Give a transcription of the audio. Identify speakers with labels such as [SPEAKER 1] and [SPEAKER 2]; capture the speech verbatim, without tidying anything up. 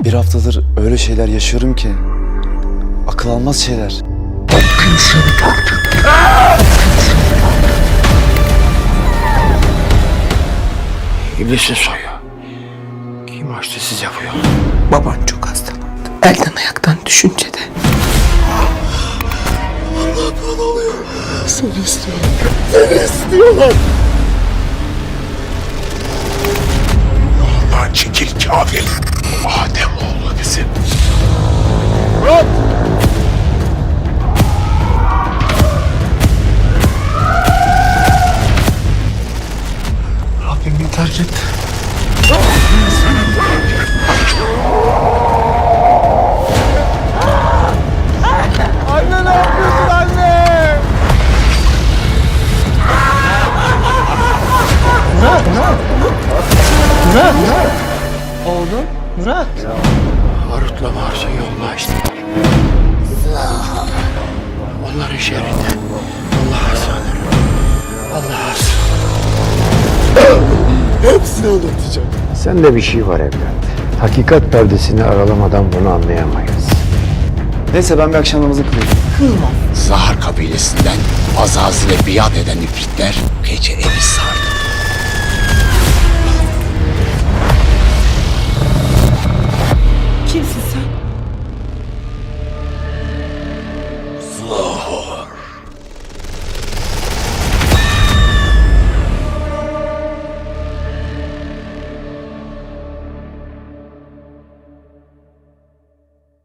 [SPEAKER 1] Bir haftadır öyle şeyler yaşıyorum ki akıl almaz şeyler.
[SPEAKER 2] İblisin soyu. Kim açtı size bu yolu?
[SPEAKER 3] Baban çok hastalandı. Elden ayaktan düşünce de.
[SPEAKER 2] Seni istiyorlar. Seni istiyorlar. Yolundan çekil kafir. Adem oğlu bizim. Murat! Rabbim beni terk etti. Anne ne yapıyorsun anne?
[SPEAKER 3] Murat, Murat. Murat, Murat. Oğlum, Murat.
[SPEAKER 2] Harut'la Mars'ın yolunu açtılar. Onların şerrinden Allah'a sığınırım. Allah'a sığınırım. Hepsini anlatacağım.
[SPEAKER 4] Sende bir şey var evlat. Hakikat perdesini aralamadan bunu anlayamayız.
[SPEAKER 1] Neyse ben bir akşam namazı kılayım.
[SPEAKER 5] Zahar kabilesinden Azazil'e biat eden ifritler gece evi sardı.
[SPEAKER 3] Kimsin